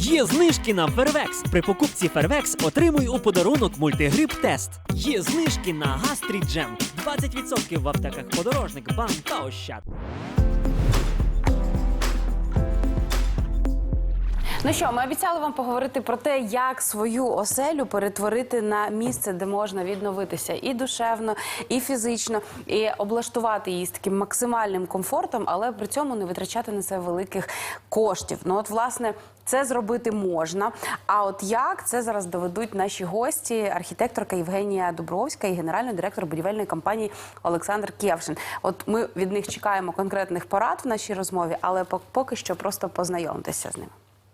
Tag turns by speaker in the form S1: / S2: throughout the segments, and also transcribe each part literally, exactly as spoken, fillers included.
S1: Є знижки на Фервекс. При покупці Фервекс отримуй у подарунок мультигрип-тест. Є знижки на Гастріджем. двадцять відсотків в аптеках Подорожник, Бам та Ощад.
S2: Ну що, ми обіцяли вам поговорити про те, як свою оселю перетворити на місце, де можна відновитися і душевно, і фізично, і облаштувати її з таким максимальним комфортом, але при цьому не витрачати на це великих коштів. Ну от, власне, це зробити можна. А от як, це зараз доведуть наші гості, архітекторка Євгенія Дубровська і генеральний директор будівельної компанії Олександр Кєвшин. От ми від них чекаємо конкретних порад в нашій розмові, але поки що просто познайомтеся з ними.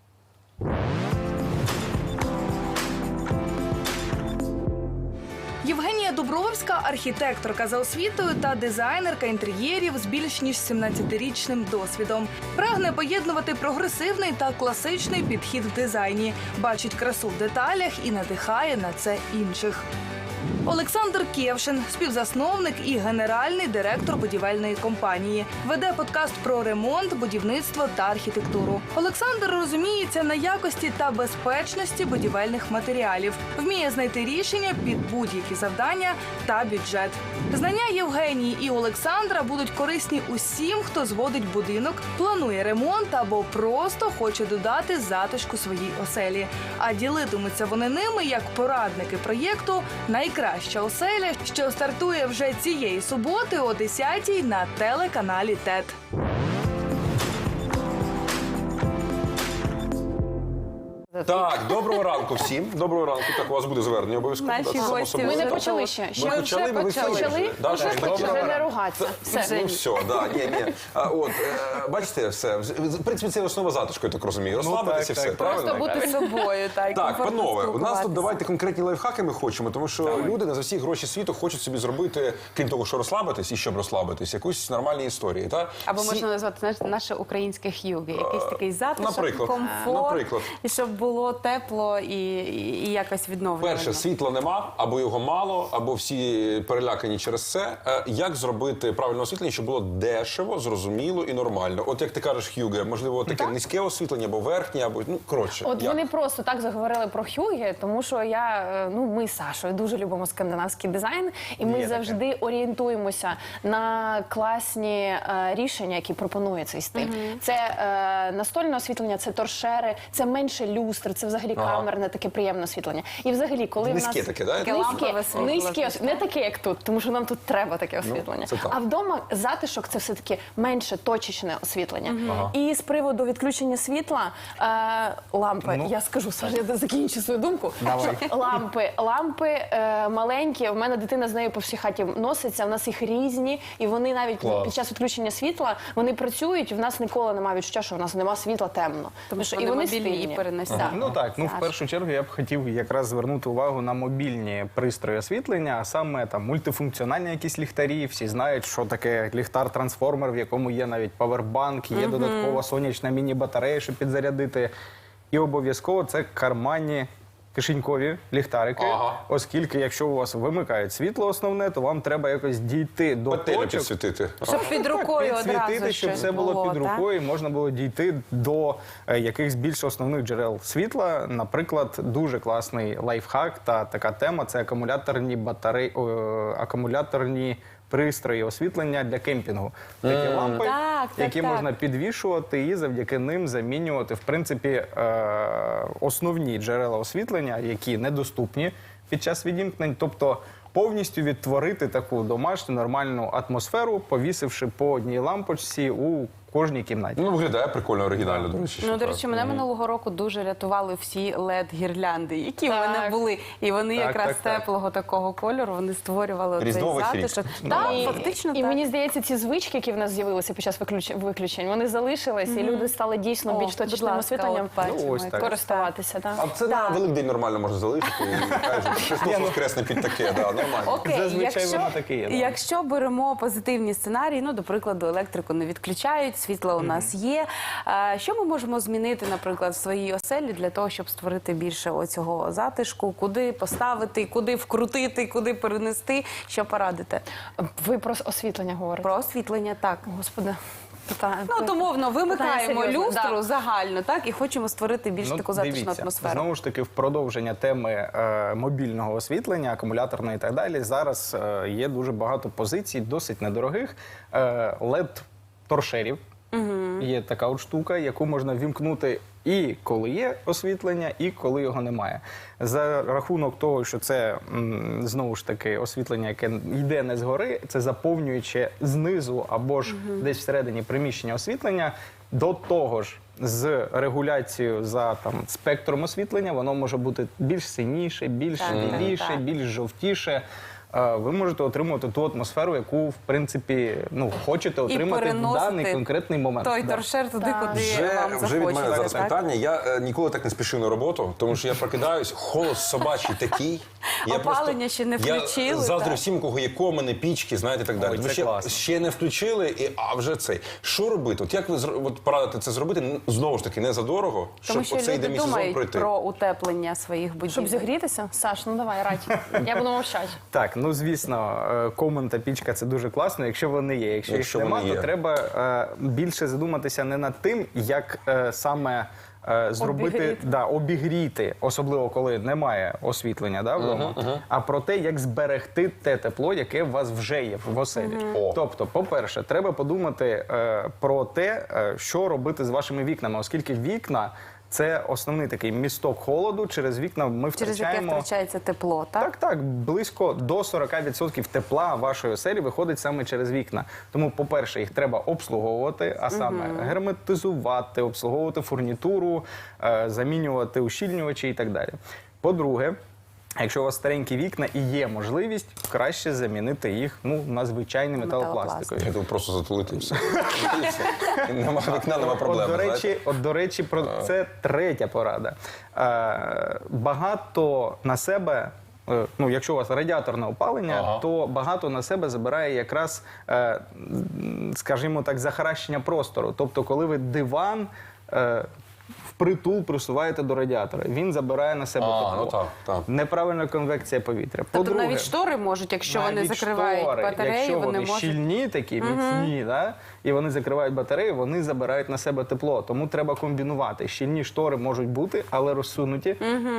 S3: Євгенія Дубровська – архітекторка за освітою та дизайнерка інтер'єрів з більш ніж сімнадцятирічним досвідом. Прагне поєднувати прогресивний та класичний підхід в дизайні, бачить красу в деталях і надихає на це інших. Олександр Кєвшин – співзасновник і генеральний директор будівельної компанії. Веде подкаст про ремонт, будівництво та архітектуру. Олександр розуміється на якості та безпечності будівельних матеріалів. Вміє знайти рішення під будь-які завдання та бюджет. Знання Євгенії і Олександра будуть корисні усім, хто зводить будинок, планує ремонт або просто хоче додати затишку своїй оселі. А ділитимуться вони ними як порадники проєкту «Найкраща оселя», що стартує вже цієї суботи о десятій на телеканалі ТЕТ.
S4: Так, доброго ранку всім. Доброго ранку. Так, у вас буде звернення обов'язково.
S2: Наші
S4: Так, само
S2: гості.
S4: собою.
S2: Ми
S5: не почали ще. Ще
S4: Ми
S5: ми
S4: почали,
S5: вже
S4: ми
S5: почали.
S4: почали.
S5: Почали?
S4: Да,
S5: Вже
S4: так,
S5: почали
S4: добре.
S5: не ругатися. Все.
S4: Ну все, да, ні, ні. А, от, е, бачите, все. В принципі, це основа затишку, я так розумію. Розслабитися і
S6: так,
S4: все,
S6: так.
S4: правильно?
S2: Просто бути собою. Так,
S4: Так,
S2: комфортно
S4: панове, у нас тут
S2: спілкуватися.
S4: давайте конкретні лайфхаки ми хочемо, тому що люди не за всі гроші світу хочуть собі зробити, крім того, що розслабитись і щоб розслабитись, якусь нормальні історії. Та?
S2: Або
S4: Всі-
S2: можна назвати, знаєш, наше українське х'югі. Якийсь такий затишок,
S4: наприклад.
S2: комфорт,
S4: Наприклад.
S2: і щоб було тепло і, і, і якось відновлено.
S4: Перше, світла нема, або його мало, або всі перелякані через це. Е, Як зробити правильне освітлення, щоб було дешево, зрозуміло і нормально? От як ти кажеш, Х'юге, можливо, таке низьке освітлення, або верхнє, або, ну, коротше.
S5: От
S4: як?
S5: вони просто так заговорили про Х'юге, тому що я, е, ну, ми з Сашою дуже любимо скандинавський дизайн, і ми
S6: Є таке.
S5: завжди орієнтуємося на класні е, рішення, які пропонує цей стиль. Це е, настольне освітлення, це торшери, це менше люстр, це взагалі
S4: Ага.
S5: камерне таке приємне освітлення. І взагалі, коли в
S4: Низьке
S5: нас...
S4: таке, да?
S2: Таке лампове
S5: Низьке,
S2: світло,
S5: низьке,
S2: звісно.
S5: не таке, як тут, тому що нам тут треба таке освітлення.
S4: це так.
S5: А вдома затишок – це все-таки менше точечне освітлення. І з приводу відключення світла, е, лампи, я скажу, Саша, я закінчу свою думку.
S6: Давай.
S5: Що лампи, лампи е, маленькі, в мене дитина з нею по всій хаті носиться, в нас їх різні, і вони навіть
S6: Клас.
S5: під час відключення світла, вони працюють, і в нас ніколи немає відчуття, що в нас нема світла, темно.
S2: Тому що
S5: і
S2: вони мобільні і
S5: стильні.
S2: переносять.
S5: Так.
S6: Ну так, ну в
S2: Саш.
S6: першу чергу я б хотів якраз звернути увагу на мобільні пристрої освітлення, а саме там мультифункціональні якісь ліхтарі. Всі знають, що таке ліхтар-трансформер, в якому є навіть павербанк, є додаткова сонячна міні-батарея, щоб підзарядити. І обов'язково це карманні кишенькові ліхтарики,
S4: Ага.
S6: оскільки якщо у вас вимикають світло основне, то вам треба якось дійти до
S4: Петелю
S6: точок.
S4: підсвітити.
S2: Щоб під рукою одразу
S6: Підсвітити, щоб
S2: щось
S6: все було під
S2: так?
S6: рукою, і можна було дійти до е, якихось більш основних джерел світла. Наприклад, дуже класний лайфхак та така тема – це акумуляторні батареї, о, акумуляторні пристрої освітлення для кемпінгу. Такі лампи,
S2: Так, так,
S6: які
S2: так.
S6: можна підвішувати і завдяки ним замінювати, в принципі, е, основні джерела освітлення, які недоступні під час відімкнень. Тобто повністю відтворити таку домашню нормальну атмосферу, повісивши по одній лампочці у кожній кімнаті.
S4: Ну, виглядає прикольно, оригінально, до речі.
S2: Ну,
S4: що
S2: до
S4: так.
S2: речі, мене минулого року дуже рятували всі лед-гірлянди, які в
S5: Так.
S2: мене були. І вони
S6: Так,
S2: якраз
S6: так, так.
S2: теплого такого кольору, вони створювали цей
S4: Різдвовий фрік.
S2: затишок. Так,
S5: І,
S2: фактично
S5: і
S2: так.
S5: мені здається, ці звички, які в нас з'явилися під час виключ- виключень, вони залишились, і люди стали дійсно
S2: О,
S5: більш
S2: будь
S5: точечним
S2: ласка,
S5: освітленням
S2: от бачимо,
S6: Ну, ось
S2: як
S6: так.
S5: користуватися. Так.
S4: А це на Великдень нормально можна залишити. І кажуть, Христос воскресне під таке, да, нормально.
S2: Окей,
S6: Зазвичай
S2: якщо,
S6: воно таке є, да.
S2: якщо беремо позитивні сценарії, ну, до прикладу, електрику не відключають, світло у нас є. А, що ми можемо змінити, наприклад, в своїй оселі для того, щоб створити більше оцього затишку? Куди поставити, куди вкрутити, куди перенести? Що порадите?
S5: Ви про освітлення говорите?
S2: Про освітлення, так.
S5: Господи. Так.
S2: Ну, от умовно, вимикаємо
S5: Питання серйозне,
S2: люстру
S5: да.
S2: загально, так, і хочемо створити більш
S6: Ну,
S2: таку затишну
S6: дивіться,
S2: атмосферу.
S6: Знову ж таки, в продовження теми е, мобільного освітлення, акумуляторної і так далі, зараз е, є дуже багато позицій, досить недорогих е, лед-торшерів. Є така от штука, яку можна вімкнути і коли є освітлення, і коли його немає. За рахунок того, що це, м, знову ж таки, освітлення, яке йде не згори, це заповнююче знизу або ж десь всередині приміщення освітлення, до того ж, з регуляцією за там спектром освітлення, воно може бути більш синіше, більш
S2: Так, так,
S6: біліше,
S2: так.
S6: більш жовтіше. Е, Ви можете отримувати ту атмосферу, яку, в принципі, ну, хочете отримати в
S2: переносити
S6: даний конкретний момент.
S2: Той
S6: Да.
S2: торшер туди, куди
S4: Вже,
S2: вам
S4: вже від мене
S2: захочеться.
S4: зараз
S2: так?
S4: питання. Я е, ніколи так не спішив на роботу, тому що я прокидаюсь, холод собачий такий. Я
S2: Опалення ще не включили,
S4: Я заздрю
S2: так.
S4: всім, у кого є комини, пічки, знаєте, і так далі.
S6: Ой,
S4: Ви
S6: це
S4: ще,
S6: класно.
S4: ще не включили, і, а вже цей. Що робити? От як ви зро- от порадите це зробити? Н- Знову ж таки, не задорого,
S2: Тому
S4: щоб
S2: що
S4: оцей
S2: люди
S4: демісезон
S2: думають
S4: пройти.
S2: про утеплення своїх будівель.
S5: Щоб зігрітися? Саш, ну давай, радь. Я буду мовчати.
S6: Так, ну звісно, е, комен та пічка це дуже класно, якщо вони є. Якщо,
S4: Якщо
S6: їх
S4: вони
S6: немає,
S4: є.
S6: то треба е, більше задуматися не над тим, як е, саме е, зробити
S5: Обігріти.
S6: да, обігріти, особливо коли немає освітлення да, вдома, а про те, як зберегти те тепло, яке у вас вже є в оселі.
S4: О.
S6: Тобто, по-перше, треба подумати е, про те, е, що робити з вашими вікнами, оскільки вікна це основний такий місток холоду. Через вікна ми
S2: Через яке
S6: втрачаємо.
S2: втрачається тепло, так?
S6: Так, так, близько до сорок відсотків тепла вашої оселі виходить саме через вікна. Тому, по-перше, їх треба обслуговувати, а саме герметизувати, обслуговувати фурнітуру, е, замінювати ущільнювачі і так далі. По-друге, якщо у вас старенькі вікна і є можливість, краще замінити їх ну, на звичайні металопластикові.
S4: Я думаю, просто затулити і все. І все. Нема вікна, нема проблем.
S6: От, до речі,
S4: знаєте.
S6: от, до речі, про це третя порада. Е, багато на себе, е, ну, якщо у вас радіаторне опалення,
S4: Ага.
S6: то багато на себе забирає якраз, е, м, скажімо так, захаращення простору. Тобто, коли ви диван е, впритул присуваєте до радіатора, він забирає на себе
S4: А,
S6: тепло.
S4: ну так, так.
S6: Неправильна конвекція повітря.
S2: Тобто
S6: По-друге,
S2: навіть штори можуть, якщо вони
S6: навіть
S2: закривають
S6: штори,
S2: батареї,
S6: якщо
S2: вони
S6: вони
S2: можуть...
S6: щільні, такі міцні, да, і вони закривають батареї, вони забирають на себе тепло. Тому треба комбінувати. Щільні штори можуть бути, але розсунуті.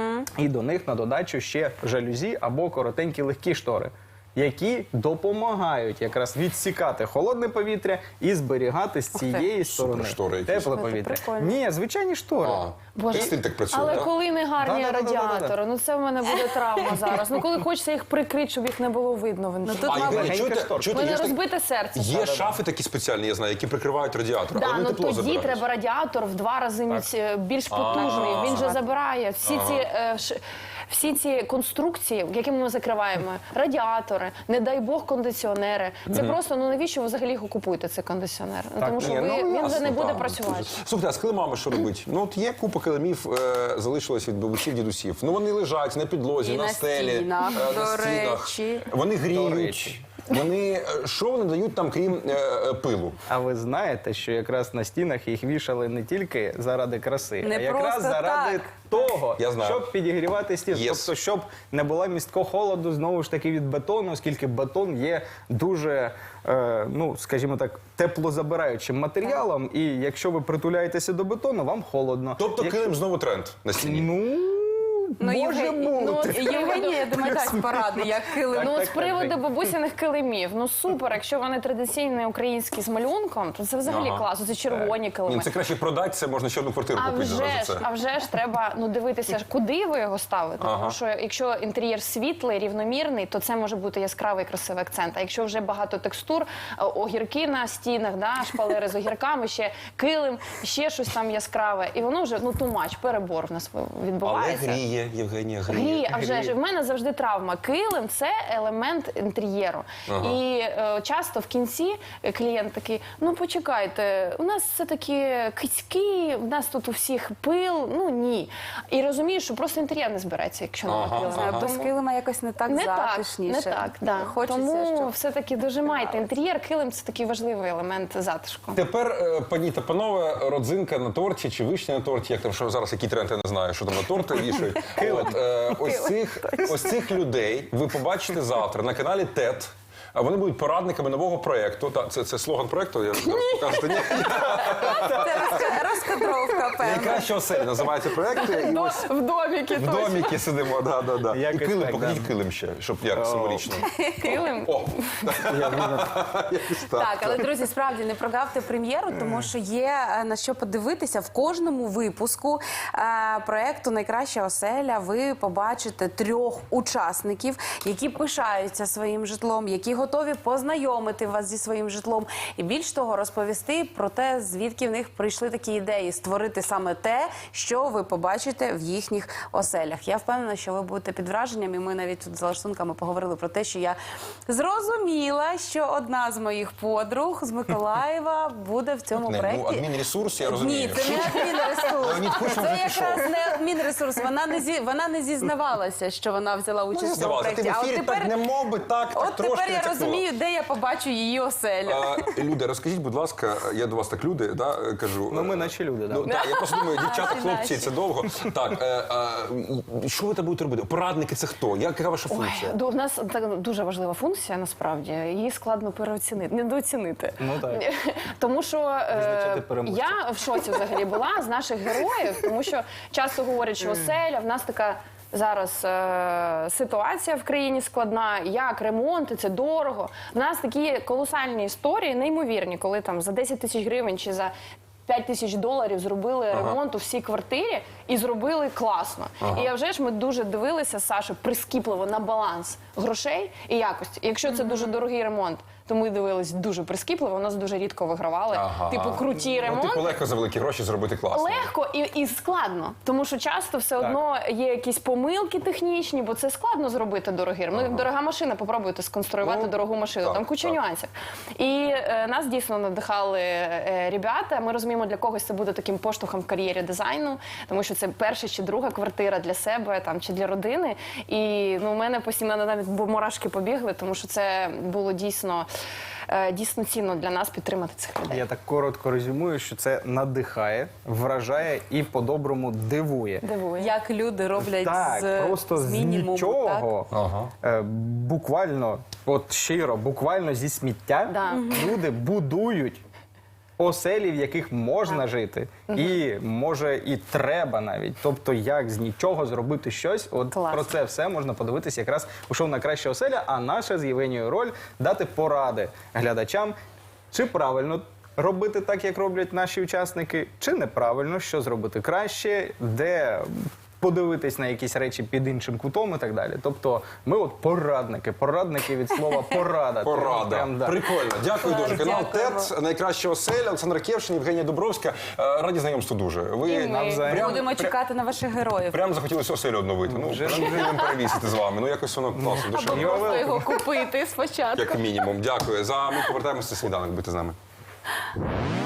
S6: І до них на додачу ще жалюзі або коротенькі легкі штори, які допомагають якраз відсікати холодне повітря і зберігати з цієї сторони
S4: Суперштори якісь.
S6: тепле
S5: Це
S6: повітря.
S5: прикольно.
S6: Ні, звичайні штори.
S4: А,
S5: Боже.
S4: стиль так працює,
S5: Але
S4: так?
S5: коли не гарні
S6: Да-да-да-да-да-да.
S5: радіатори, ну це в мене буде травма зараз. Ну коли хочеться їх прикрити, щоб їх не було видно. в
S2: тут,
S4: А,
S5: інтернеті.
S2: мабуть,
S4: Євгенія,
S6: легенька
S4: чуєте,
S6: шторка.
S4: чуєте,
S5: У
S4: є
S5: мене
S4: ж так-
S5: розбите серце.
S4: Є шафи такі спеціальні, я знаю, які прикривають радіатор,
S5: Да,
S4: але вони
S5: ну
S4: тепло
S5: тоді
S4: забирають.
S5: треба радіатор в два рази міць- більш потужний. Він же забирає всі ці е, ш- всі ці конструкції, якими ми закриваємо, радіатори, не дай Бог, кондиціонери. Це просто ну навіщо ви взагалі його купуєте, цей кондиціонер? Ну, тому що
S4: Ні,
S5: ви,
S4: ну,
S5: він вже
S4: ясно,
S5: не буде
S4: так.
S5: працювати.
S4: Слухайте, а з килимами що робити? Ну от є купа килимів, е, залишилось від бабусів, дідусів. Ну вони лежать на підлозі,
S2: І
S4: на,
S2: на
S4: стелі,
S2: стінах,
S4: е,
S2: до
S4: на стінах.
S2: речі.
S4: Вони
S6: До
S4: гріють.
S6: речі.
S4: Вони е, що вони дають там, крім е, е, пилу?
S6: А ви знаєте, що якраз на стінах їх вішали не тільки заради краси,
S2: Не
S6: а якраз
S2: просто
S6: заради
S2: так.
S6: того,
S4: Я знаю.
S6: щоб підігрівати стіни.
S4: Yes.
S6: Тобто, щоб не було місткого холоду знову ж таки від бетону, оскільки бетон є дуже, е, ну скажімо так, теплозабираючим матеріалом. І якщо ви притуляєтеся до бетону, вам холодно.
S4: Тобто
S6: Як-
S4: килим знову тренд на стіні.
S6: Ну,
S2: Ну,
S6: може
S2: Євген-
S6: бути.
S2: Ну, Євгенія, я думаю, дасть поради, як килим.
S5: Ну, от
S6: так,
S5: з приводу
S6: так.
S5: бабусиних килимів, ну супер, якщо вони традиційні українські з малюнком, то це взагалі
S4: Ага.
S5: класно, це червоні килими.
S4: Ні, це краще продати, це можна ще одну квартиру
S5: А
S4: купити
S5: вже
S4: зараз
S5: ж,
S4: за це.
S5: а вже ж треба ну дивитися, куди ви його ставите.
S4: Ага.
S5: Тому що якщо інтер'єр світлий, рівномірний, то це може бути яскравий красивий акцент. А якщо вже багато текстур, е, огірки на стінах, да, шпалери з огірками, ще килим, ще щось там яскраве, і воно вже ну тумач, перебор в нас
S4: Але
S5: відбувається.
S4: гріє, Євгенія, гріє.
S5: Гріє, а вже ж в мене завжди травма. Килим це елемент інтер'єру.
S4: Ага.
S5: І е, часто в кінці клієнт такий: ну почекайте, у нас це такі кицьки, у нас тут у всіх пил. Ну ні. І розумієш, що просто інтер'єр не збереться, якщо
S4: Ага,
S5: немає килима.
S4: ага.
S2: Без килима якось не так
S5: Не так,
S2: затишніше.
S5: не так, да.
S2: Хочеться,
S5: Тому
S2: щоб...
S5: все-таки дожимайте інтер'єр. Килим це такий важливий елемент затишку.
S4: Тепер, е, пані та панове, родзинка на торті чи вишня на торті, як там що зараз, який тренд, я не знаю, що там на торти вішають. От, е, ось, цих, ось цих людей ви побачите завтра на каналі ТЕТ. А вони будуть порадниками нового проєкту. Та, це, це слоган проєкту, я зараз покажете. Ні.
S2: Це розка- розкадровка, певно.
S4: Найкраща оселя називається проєкт. І ось
S5: В доміки
S4: в доміки сидимо, да, да, да. І
S6: Якось
S4: килим,
S6: так,
S4: покажіть
S6: да.
S4: килим ще, щоб як символічно.
S5: килим.
S4: О, якось так.
S2: Так, але друзі, справді не прогавте прем'єру, тому що є е, на що подивитися в кожному випуску е, проекту Найкраща оселя. Ви побачите трьох учасників, які пишаються своїм житлом, які готові познайомити вас зі своїм житлом, і більш того, розповісти про те, звідки в них прийшли такі ідеї, створити саме те, що ви побачите в їхніх оселях. Я впевнена, що ви будете під враженням, і ми навіть тут за лаштунками поговорили про те, що я зрозуміла, що одна з моїх подруг з Миколаєва буде в цьому
S4: Не,
S2: проєкті.
S4: ну, адмінресурс, я розумію.
S2: Ні, це не адмінресурс.
S4: Леонід Кучма
S2: Це
S4: вже пішов.
S2: якраз не адмінресурс. Вона не зі вона не зізнавалася, що вона взяла участь в цьому
S4: Здавалося, ти в
S2: проєкті. А от
S4: ефірі так
S2: тепер,
S4: не мов би, так, так
S2: от
S4: трошки
S2: тепер я
S4: натякнула.
S2: розумію, де я побачу її оселю.
S4: А, Люди, розкажіть, будь ласка, я до вас так люди, да, кажу.
S6: Ну, ми
S4: е,
S6: наче люди, да.
S4: Ну, так, я просто думаю, дівчата,
S2: Наші,
S4: хлопці,
S2: наші.
S4: це довго. Так, е, е, що ви там будете робити? Порадники це хто? Яка ваша функція?
S5: Ой, у нас так дуже важлива функція, насправді. Її складно переоцінити, недооцінити.
S6: Ну, так.
S5: Тому що е,
S6: Визначати переможця.
S5: я в шоці взагалі була з наших героїв, тому що часто говорять, що оселя, в нас така зараз е, ситуація в країні складна, як ремонти, це дорого. В нас такі колосальні історії, неймовірні, коли там за десять тисяч гривень чи за п'ять тисяч доларів зробили ремонт у всій квартирі і зробили класно. І я вже ж ми дуже дивилися, Саша, прискіпливо на баланс грошей і якості. І якщо це дуже дорогий ремонт, то ми дивились дуже прискіпливо, у нас дуже рідко вигравали.
S4: Ага.
S5: Типу круті
S4: Ну,
S5: ремонти.
S4: типу, легко за великі гроші зробити класно.
S5: Легко і, і складно, тому що часто все одно є якісь помилки технічні, бо це складно зробити дорогий. Ну, як дорога машина, попробуйте сконструювати
S4: Ну,
S5: дорогу машину,
S4: так,
S5: там куча
S4: так.
S5: нюансів. І е, нас дійсно надихали е, ребята. Ми розуміємо, для когось це буде таким поштовхом в кар'єрі дизайну, тому що це перша чи друга квартира для себе там чи для родини. І ну, у мене постійно навіть мурашки побігли, тому що це було дійсно. е, Дійсно цінно для нас підтримати цих людей.
S6: Я так коротко резюмую, що це надихає, вражає і по-доброму дивує.
S5: Дивує.
S2: Як люди роблять
S6: Так,
S2: з,
S6: просто з,
S2: мінімуму,
S6: нічого,
S4: Ага.
S6: е, буквально, от щиро, буквально зі сміття
S5: Да.
S6: люди будують оселі, в яких можна жити, і може і треба навіть. Тобто, як з нічого зробити щось. От
S5: Класно.
S6: про це все можна подивитися якраз у шоу «Найкраща оселя», а наша з Євгенією роль дати поради глядачам, чи правильно робити так, як роблять наші учасники, чи неправильно, що зробити краще, де подивитись на якісь речі під іншим кутом і так далі. Тобто ми от порадники, порадники від слова порада.
S4: Порада.
S6: Прям, да.
S4: Прикольно. Дякую дуже. Канал
S2: Дякуємо.
S4: ТЕТ, Найкраща оселя, Олександр Кевшин, Євгенія Дубровська. Е, Раді знайомству дуже. Ви
S5: І ми.
S6: Навзаєм.
S4: прям,
S2: Будемо
S4: прям,
S2: чекати на ваших героїв.
S4: прям захотілося оселю обновити. Ну,
S6: Вже
S4: прям вже не перевісити з вами. Ну, якось воно класно, душевно.
S6: Його
S2: Просто його купити спочатку.
S4: Як мінімум. Дякую. За ми повертаємося сніданок. Будьте з нами.